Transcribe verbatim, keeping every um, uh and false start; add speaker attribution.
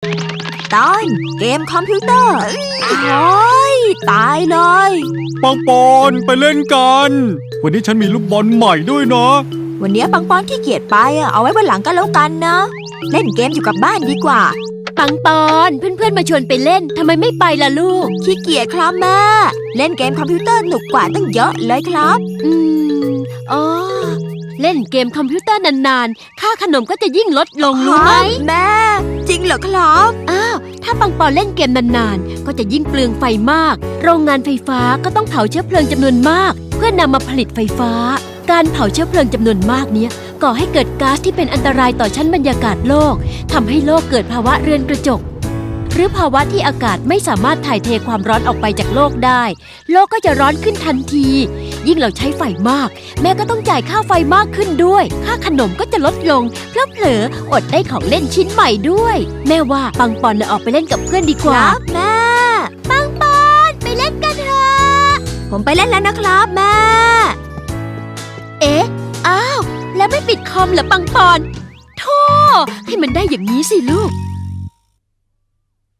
Speaker 1: ตอนเกมคอมพิวเตอร์โอ้ยตายเลย
Speaker 2: ปังปอนไปเล่นกันวันนี้ฉันมีลูกบอลใหม่ด้วยนะ
Speaker 1: วันนี้ปังปอนขี้เกียจไปเอาไว้วันหลังก็แล้วกันนะเล่นเกมอยู่กับบ้านดีกว่า
Speaker 3: ปังปอนเพื่อนๆมาชวนไปเล่นทำไมไม่ไปล่ะลูก
Speaker 1: ขี้เกียจครับแม่เล่นเกมคอมพิวเตอร์หนุกกว่าตั้งเยอะเลยครับ
Speaker 3: อืมอ๋อเล่นเกมคอมพิวเตอร์นานๆค่าขนมก็จะยิ่งลดลงรู้ไหม
Speaker 1: แม่จริงเหรอครับ
Speaker 3: อ้าวถ้าปังปอนเล่นเกมนานๆก็จะยิ่งเปลืองไฟมากโรงงานไฟฟ้าก็ต้องเผาเชื้อเพลิงจำนวนมากเพื่อนำมาผลิตไฟฟ้าการเผาเชื้อเพลิงจำนวนมากนี้ก่อให้เกิดก๊าซที่เป็นอันตรายต่อชั้นบรรยากาศโลกทำให้โลกเกิดภาวะเรือนกระจกหรือภาวะที่อากาศไม่สามารถถ่ายเทความร้อนออกไปจากโลกได้โลกก็จะร้อนขึ้นทันทียิ่งเราใช้ไฟมากแม่ก็ต้องจ่ายค่าไฟมากขึ้นด้วยค่าขนมก็จะลดลงเพราะเผลออดได้ของเล่นชิ้นใหม่ด้วยแม่ว่าปังปอนเลยออกไปเล่นกับเพื่อนดีกว่า
Speaker 1: ครับแม่
Speaker 3: ปังปอนไปเล่นกันเถอะ
Speaker 1: ผมไปเล่นแล้วนะครับแม่
Speaker 3: เอ๊ะอ้าวแล้วไม่ปิดคอมเหรอปังปอนโธ่ให้มันได้อย่างนี้สิลูก